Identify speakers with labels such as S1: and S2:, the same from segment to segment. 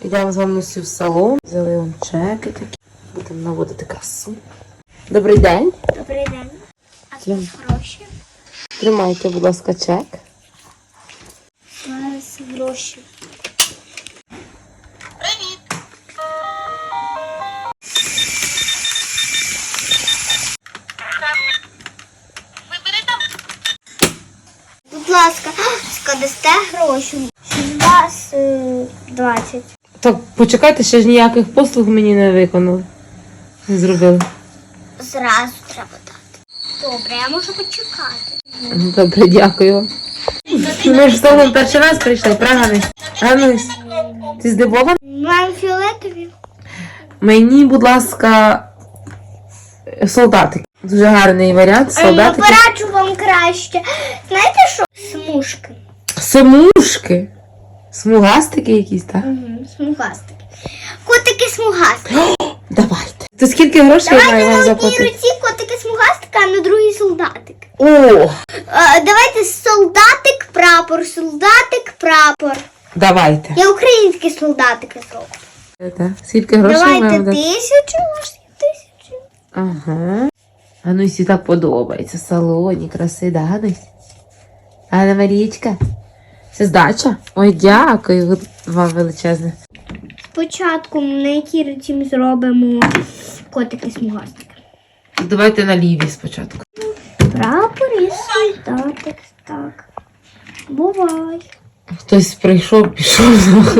S1: Йдемо з вами всі в салон. Взяли вам чеки такі. Будемо наводити красу. Добрий день.
S2: Добрий день. А тут гроші?
S1: Тримайте, будь ласка, чек.
S2: Зараз гроші. Привіт. Будь ласка, складете гроші. З вас 20.
S1: Так, почекайте, ще ж ніяких послуг мені не виконали. Не зробили.
S2: Зразу треба дати. Добре, я можу почекати.
S1: Добре, дякую вам. Ми ж з тобою перший раз прийшли, правильно? Ганусь, ти здивована?
S2: Маємо фіолетові.
S1: Мені, будь ласка, солдатик. Дуже гарний варіант,
S2: Я
S1: солдатики.
S2: пораджу вам краще. Знаєте що? Смужки.
S1: Смужки. Смугастики якісь, так?
S2: Угу, смугастики. Котики смугастики.
S1: Давайте. То скільки грошей я маю вам
S2: Давайте на одній
S1: заплатити?
S2: руці котики смугастика, а на другій солдатик.
S1: О!
S2: Давайте солдатик, прапор.
S1: Давайте.
S2: Я українські солдатики зроблю.
S1: Так. Скільки грошей
S2: Давайте
S1: маємо дати?
S2: 1000, може 1000.
S1: Ага. Ганусі так подобається. В салоні, краси, да, Ганусь? Ганна Марічка? Це здача? Ой, дякую вам величезне.
S2: Спочатку на якій руці ми зробимо котики смугастики.
S1: Давайте на лівій спочатку.
S2: Прапор і солдатик. Так. Бувай.
S1: Хтось прийшов, пішов.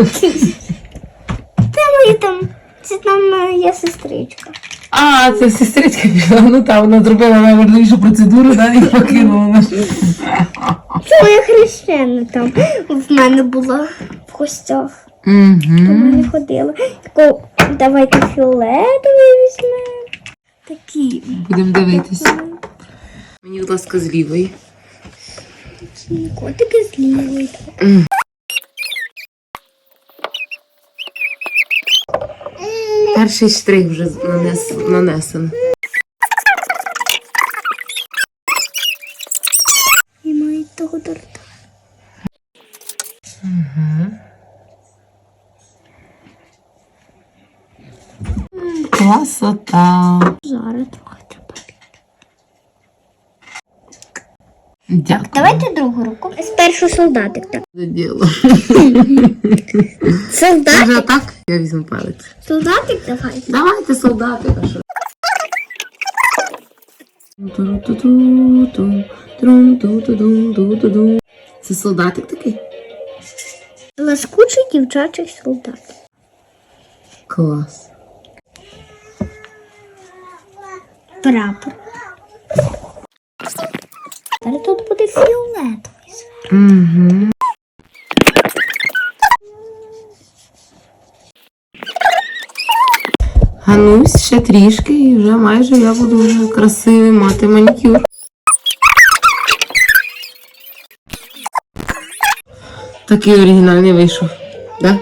S2: Це там є сестричка.
S1: А, це сестричка пішла. Ну так, вона зробила найважливішу процедуру, да, і покинула нас.
S2: Це моя хрещена там в мене була в гостях. До
S1: Угу.
S2: мене ходила. Таку, давайте фіолетовий візьмемо. Такі.
S1: Будемо дивитися. Мені, будь ласка, з лівої.
S2: Такі котики з лівої.
S1: Перший штрих вже нанесено.
S2: І мають того торта.
S1: Красота.
S2: Зараз трохи треба.
S1: Дякую.
S2: Давайте другу руку. Спершу солдатик. Так.
S1: За діло.
S2: Солдатик?
S1: Може так? Я візьму палець.
S2: Солдатик давай.
S1: Давайте солдатика, що. Це солдатик такий?
S2: Ласкучий дівчачий солдат.
S1: Клас.
S2: Прапор. Тепер тут буде фіолетовий.
S1: Угу. Ганусь, ще трішки і вже майже я буду вже красивий мати манікюр. Такий оригінальний вийшов, да?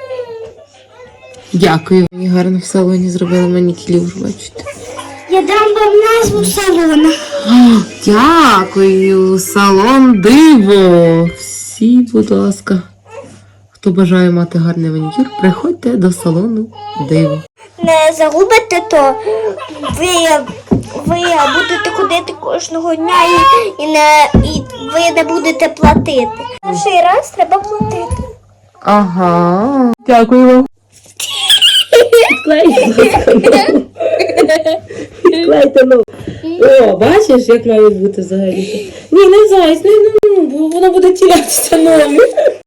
S1: Дякую. Мені гарно в салоні зробили манікюр, бачите.
S2: Я дам вам назву салону.
S1: Дякую, салон диво. Всі, будь ласка, хто бажає мати гарний манікюр, приходьте до салону диво.
S2: Не загубите, то ви будете ходити кожного дня і ви не будете платити. Перший раз треба платити.
S1: Ага. Дякую вам. Відклейте, ну. О, бачиш, як має бути взагалі? Ні, не зайць, бо воно буде тірятися нові.